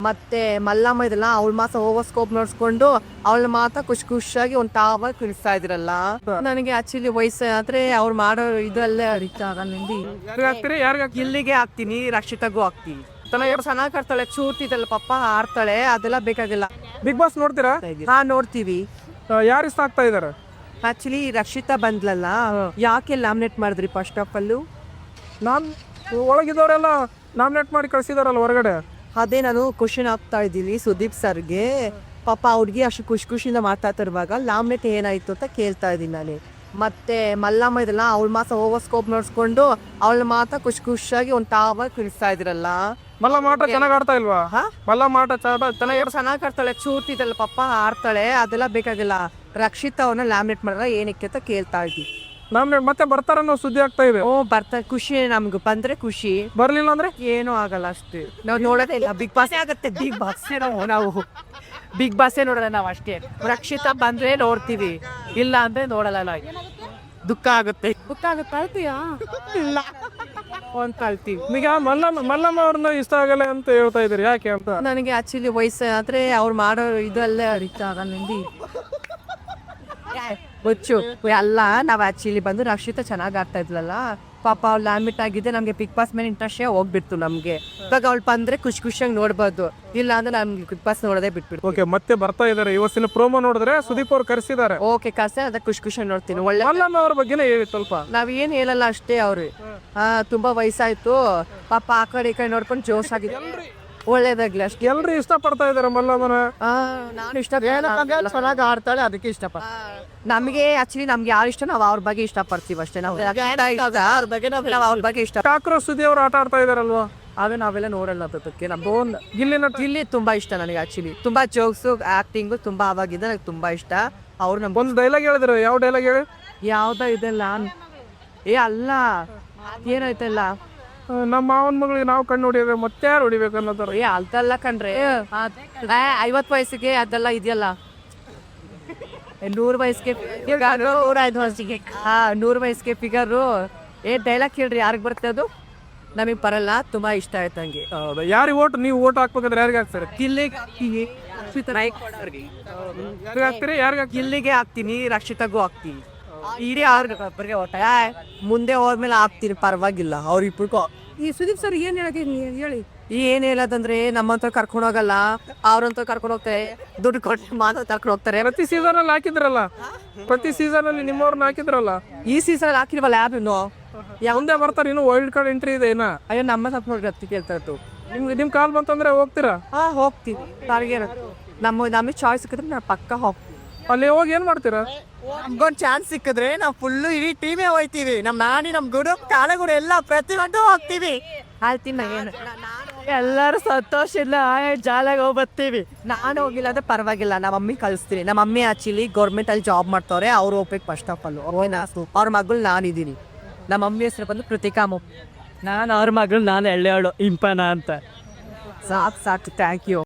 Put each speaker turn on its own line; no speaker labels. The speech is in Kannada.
ಮತ್ತೆ ಮಲ್ಲಮ್ಮ ಇದೆಲ್ಲ ಅವಳ ಮಾತ್ರ ಓವರ್ ಸ್ಕೋಪ್ ನೋಡ್ಸ್ಕೊಂಡು ಅವಳ ಮಾತ್ರ ಖುಷಿಯಾಗಿ ಒಂದು ತಾವ ಕುಣಿಸ್ತಾ ಇದ್ರಲ್ಲ. ನನಗೆ ಆಕ್ಚುಲಿ ವಯಸ್ಸಾದ್ರೆ ಅವ್ರು ಮಾಡೋ ಇದಲ್ಲೇ ಅರಿತಾ ಆಗಲ್ಲ. ಗಿಲ್ಲಿಗೆ ಹಾಕ್ತೀನಿ, ರಕ್ಷಿತಾಗೂ ಹಾಕ್ತೀನಿ. ಚೆನ್ನಾಗಿ ಆಡ್ತಾಳೆ, ಚೂರ್ತಿದಲ್ಲ ಪಾಪ ಆಡ್ತಾಳೆ, ಅದೆಲ್ಲ ಬೇಕಾಗಿಲ್ಲ.
ಬಿಗ್ ಬಾಸ್ ನೋಡ್ತೀರಾ?
ಹಾ ನೋಡ್ತೀವಿ.
ಯಾರು ಇಷ್ಟ ಆಗ್ತಾ ಇದಾರೆ?
ಆಕ್ಚುಲಿ ರಕ್ಷಿತಾ ಬಂದ್ಲಲ್ಲ, ಯಾಕೆ ಲಾಮಿನೇಟ್ ಮಾಡಿದ್ರಿ ಫಸ್ಟ್ ಆಫ್ ಅಲ್ಲೂ?
ನಾನು ಒಳಗಿದ್ದವರೆಲ್ಲ ನಾಮಿನೇಟ್ ಮಾಡಿ ಕಳ್ಸಿದಾರಲ್ಲ ಹೊರಗಡೆ.
ಅದೇ ನಾನು ಕ್ವಶನ್ ಆಗ್ತಾ ಇದ್ದೀನಿ ಸುದೀಪ್ ಸರ್ಗೆ. ಪಾಪ ಅವ್ರಿಗೆ ಅಷ್ಟು ಖುಷಿಯಿಂದ ಮಾತಾಡ್ತಿರುವಾಗ ಲಾಮಿನೇಟ್ ಏನಾಯ್ತು ಅಂತ ಕೇಳ್ತಾ ಇದ್ದೀನಿ ನಾನು. ಮತ್ತೆ ಮಲ್ಲಮ್ಮ ಇದೆಲ್ಲ ಅವಳ ಮಾತ್ರ ಓವರ್ ಸ್ಕೋಪ್ ನೋಡ್ಸ್ಕೊಂಡು ಅವಳ ಮಾತ್ರ ಖುಷಿಯಾಗಿ ಒಂದು ತಾವ ಕುಣಿಸ್ತಾ ಇದ್ರಲ್ಲ.
ಮಲ್ಲಮ್ಮ ಆಟ ಚೆನ್ನಾಗಿ ಆಡ್ತಾ ಇಲ್ವಾ? ಮಲ್ಲಮ್ಮ ಆಟ
ಚೆನ್ನಾಗಿ ಆಡ್ತಾಳೆ, ಚೂರ್ತಿದಲ್ಲ ಪಾಪ ಆಡ್ತಾಳೆ, ಅದೆಲ್ಲ ಬೇಕಾಗಿಲ್ಲ. ರಕ್ಷಿತಾ ಅವ್ರನ್ನ ಲಾಮಿನೇಟ್ ಮಾಡಿದ್ರೆ ಏನಕ್ಕೆ ಅಂತ ಕೇಳ್ತಾ ಇದ್ವಿ.
ನಾಮಿನೇಟ್ ಮತ್ತೆ ಬರ್ತಾರನ್ನೋ ಸುದ್ದಿ ಆಗ್ತಾ ಇದೆ.
ಬರ್ತಾರೆ, ಖುಷಿ ನಮ್ಗೆ ಬಂದ್ರೆ ಖುಷಿ,
ಬರ್ಲಿಲ್ಲ ಅಂದ್ರೆ
ಏನೂ ಆಗಲ್ಲ ಅಷ್ಟೇ. ನಾವು ನೋಡೋದೇ ಇಲ್ಲ, ಬಿಗ್ ಬಾಸ್ ಆಗುತ್ತೆ. ಬಿಗ್ ಬಾಸ್ ನಾವು ಬಿಗ್ ಬಾಸೇ ನೋಡೋಣ ನಾವು ಅಷ್ಟೇ. ರಕ್ಷಿತಾ ಬಂದ್ರೆ ನೋಡ್ತೀವಿ, ಇಲ್ಲ ಅಂದ್ರೆ ನೋಡಲ್ಲ ನಾವು. ದುಃಖ ಆಗುತ್ತೆ ಅಳ್ತೀಯಾ? ಇಲ್ಲ ಅಂತ ಅಳ್ತೀವಿ.
ಈಗ ಮಲ್ಲಮ್ಮ ಅವ್ರನ್ನ ಇಷ್ಟ ಆಗಲ್ಲ ಅಂತ ಹೇಳ್ತಾ ಇದ್ರಿ, ಯಾಕೆ ಅಂತ?
ನನಗೆ ಆಕ್ಚುಲಿ ವಯಸ್ಸಾದ್ರೆ ಅವ್ರು ಮಾಡೋ ಇದಲ್ಲೇ ಅರಿತಾ ಆಗಲ್ಲ. ಬೊಚ್ಚು ಎಲ್ಲ ನಾವು ಆಕ್ಚುಲಿ ಬಂದು ರಕ್ಷಿತಾ ಚೆನ್ನಾಗಿ ಆಡ್ತಾ ಇದ್ಲಲ್ಲ, ಪಾಪ ಅವ್ಳು ಲಾಮಿಟ್ ಆಗಿದೆ. ನಮಗೆ ಬಿಗ್ ಬಾಸ್ ಮೇಲೆ ಇಂಟ್ರೆಸ್ಟೇ ಹೋಗ್ಬಿಡ್ತು ನಮಗೆ. ಇವಾಗ ಅವಳು ಬಂದ್ರೆ ಖುಷಿಯಾಗಿ ನೋಡ್ಬೋದು, ಇಲ್ಲ ಅಂದ್ರೆ ನಮ್ಗೆ ಬಿಗ್ ಬಾಸ್ ನೋಡೋದೇ ಬಿಟ್ಬಿಡ್ತು.
ಓಕೆ, ಮತ್ತೆ ಬರ್ತಾ ಇದಾರೆ. ಇವತ್ತಿನ ಪ್ರೋಮೋ ನೋಡಿದ್ರೆ ಸುದೀಪ್ ಅವ್ರು ಕರೆಸಿದ್ದಾರೆ.
ಓಕೆ ಕರ್ಸೆ, ಅದ ಖುಷಿಯಾಗಿ ನೋಡ್ತೀನಿ. ಒಳ್ಳೆ
ಮಲ್ಲಮ್ಮ ಅವ್ರ ಬಗ್ಗೆನೇ ಹೇಳಿ ಸ್ವಲ್ಪ.
ನಾವ್ ಏನ್ ಹೇಳಲ್ಲ ಅಷ್ಟೇ. ಅವ್ರು ತುಂಬಾ ವಯಸ್ಸಾಯ್ತು ಪಾಪ, ಆ ಕಡೆ ಈ ಕಡೆ ನೋಡ್ಕೊಂಡು ಜೋಶ್ ಆಗಿದೆ, ಒಳ್ಳೇದಾಗ್ಲಿ ಅಷ್ಟೇ.
ಎಲ್ರು ಇಷ್ಟ ಪಡ್ತಾ ಇದಾರೆ ಮಲ್ಲಮ್ಮನ.
ನಾನು ಇಷ್ಟ ಚೆನ್ನಾಗಿ ಆಡ್ತಾಳೆ, ಅದಕ್ಕೆ ಇಷ್ಟಪಡ. ನಮಗೆ ಆಕ್ಚುಲಿ ನಮ್ಗೆ ಯಾರು ಇಷ್ಟ ನಾವು ಅವ್ರ ಬಗ್ಗೆ ಇಷ್ಟ ಪಡ್ತೀವಿ ಅಷ್ಟೇ. ನಾವು ಅವ್ರ ಬಗ್ಗೆ ನಾವು ಅವ್ರ ಬಗ್ಗೆ ಇಷ್ಟ.
ಕಾಕ್ರೋಚ್ ಸುದ್ದಿ ಅವ್ರು ಆಟ ಆಡ್ತಾ ಇದಾರಲ್ವಾ?
ಅವೇ ನಾವೆಲ್ಲ ನೋಡಲ್ಲ ಅದಕ್ಕೆ. ನಮ್ದು
ಗಿಲ್ಲಿ
ತುಂಬಾ ಇಷ್ಟ ನನಗೆ. ಆಕ್ಚುಲಿ ತುಂಬಾ ಜೋಕ್ಸು ಆಕ್ಟಿಂಗು ತುಂಬಾ ಅವಾಗಿದ್ದ ನನಗೆ ತುಂಬಾ ಇಷ್ಟ. ಅವ್ರು ನಮ್ಗೆ
ಒಂದು ಡೈಲಾಗ್ ಹೇಳಿದ್ರು. ಯಾವ ಡೈಲಾಗ್ ಹೇಳಿ?
ಯಾವ್ದ ಇದೆಲ್ಲ ಅಲ್ಲ, ಏನಾಯ್ತಲ್ಲ,
ನಮ್ಮ ಮಾವನ ಮಗಳಿಗೆ ನಾವು ಕಣ್ಣು ಹೊಡಿಬೇಕು, ಮತ್ತೆ ಯಾರು ಹೊಡಿಬೇಕು ಅನ್ನೋದಾರ.
ಅಲ್ದಲ್ಲ ಕಣ್ರಿ, 50 ವಯಸ್ಸಿಗೆ ಅದೆಲ್ಲ ಇದೆಯಲ್ಲ, 100 ವಯಸ್ಸಿಗೆ 105 ವಯಸ್ಸಿಗೆ 100 ವಯಸ್ಸಿಗೆ ಫಿಗರು. ಡೈಲಾಗ್ ಕೇಳ್ರಿ, ಯಾರಿಗೆ ಬರುತ್ತೆ ಅದು? ನಮಗೆ ಬರಲ್ಲ. ತುಂಬಾ ಇಷ್ಟ ಆಯ್ತು ನಂಗೆ.
ಯಾರಿಗೆ ಓಟ್ ನೀವು ಓಟ್ ಹಾಕ್ಬೇಕಂದ್ರೆ ಯಾರಿಗೆ ಹಾಕ್ತಾರೆ?
ಗಿಲ್ಲಿಗೆ ಹಾಕ್ತೀನಿ, ರಕ್ಷಿತಾಗೂ ಹಾಕ್ತೀನಿ. ಇಡೀ ಅವ್ರಿಗೆ ಓಟ ಮುಂದೆ ಹೋದ್ಮೇಲೆ ಹಾಕ್ತೀನಿ, ಪರವಾಗಿಲ್ಲ. ಅವ್ರಿಬ್ರಿಗೂ. ಈ ಸುದೀಪ್ ಸರ್ ಏನ್ ಹೇಳಿ ಏನ್ ಹೇಳೋದಂದ್ರೆ, ನಮ್ಮಂತ ಕರ್ಕೊಂಡು ಹೋಗಲ್ಲ, ಅವ್ರಂತ ಕರ್ಕೊಂಡು ಹೋಗ್ತಾರೆ, ದುಡ್ಡು ಕೊಟ್ಟು ಮಾತ್ರ ಕರ್ಕೊಂಡು ಹೋಗ್ತಾರೆ.
ಪ್ರತಿ ಸೀಸನ್ ಅಲ್ಲಿ ಹಾಕಿದ್ರಲ್ಲ, ಪ್ರತಿ ಸೀಸನ್ ಅಲ್ಲಿ ನಿಮ್ಮವ್ರನ್ನ ಹಾಕಿದ್ರಲ್ಲ.
ಈ ಸೀಸನ್ ಹಾಕಿಲ್ವಲ್ಲ ಯಾರು?
ಮುಂದೆ ಬರ್ತಾರೆ, ಇನ್ನು ವೈಲ್ಡ್ ಕಾರ್ಡ್ ಎಂಟ್ರಿ ಇದೆ ಏನ?
ಅಯ್ಯೋ ನಮ್ಮ ಸ್ವಲ್ಪ ನೋಡಿ ಹತ್ತಿ ಕೇಳ್ತಾ ಇತ್ತು.
ನಿಮ್ ಕಾಲ್ ಬಂತಂದ್ರೆ ಹೋಗ್ತೀರಾ?
ಹೋಗ್ತೀವಿ. ನಮಗೆ ಚಾಯ್ಸ್ ಸಿಕ್ಕಿದ್ರೆ ನಾವು ಪಕ್ಕ ಹೋಗ್ತೀವಿ.
ಅಲ್ಲಿ ಹೋಗಿ ಏನ್ ಮಾಡ್ತೀರಾ?
ನಮ್ಗೊಂದು ಚಾನ್ಸ್ ಸಿಕ್ಕಿದ್ರೆ ನಾವು ಫುಲ್ಲು ಇಡೀ ಟೀಮೇ ಹೋಗ್ತೀವಿ. ನಮ್ಮ ನಾನಿ, ನಮ್ಮ ಗುರು, ಕಾಲಗುರು ಎಲ್ಲ ಪ್ರತಿಯೊಂದು ಹೋಗ್ತೀವಿ. ಹೇಳ್ತೀನಿ ಎಲ್ಲರೂ ಸಂತೋಷ ಇಲ್ಲ ಜಾಲಾಗಿ ಹೋಗಿ ಬರ್ತೀವಿ. ನಾನು ಹೋಗಿಲ್ಲ ಅಂದ್ರೆ ಪರವಾಗಿಲ್ಲ, ನಮ್ಮ ಮಮ್ಮಿ ಕಳಿಸ್ತೀನಿ. ನಮ್ಮ ಮಮ್ಮಿ ಆಕ್ಚುಲಿ ಗೌರ್ಮೆಂಟ್ ಅಲ್ಲಿ ಜಾಬ್ ಮಾಡ್ತವ್ರೆ, ಅವ್ರು ಹೋಗ್ಬೇಕು ಫಸ್ಟ್ ಆಫ್ ಆಲ್. ಅವ್ರ ಮಗಳು ನಾನಿದ್ದೀನಿ. ನಮ್ಮ ಮಮ್ಮಿ ಹೆಸರು ಬಂದು ಕೃತಿಕಾಮ. ನಾನು ಅವ್ರ ಮಗಳು, ನಾನು ಎಳ್ಳೆವಳು ಇಂಪನ ಅಂತ. ಸಾಕು ಥ್ಯಾಂಕ್ ಯು.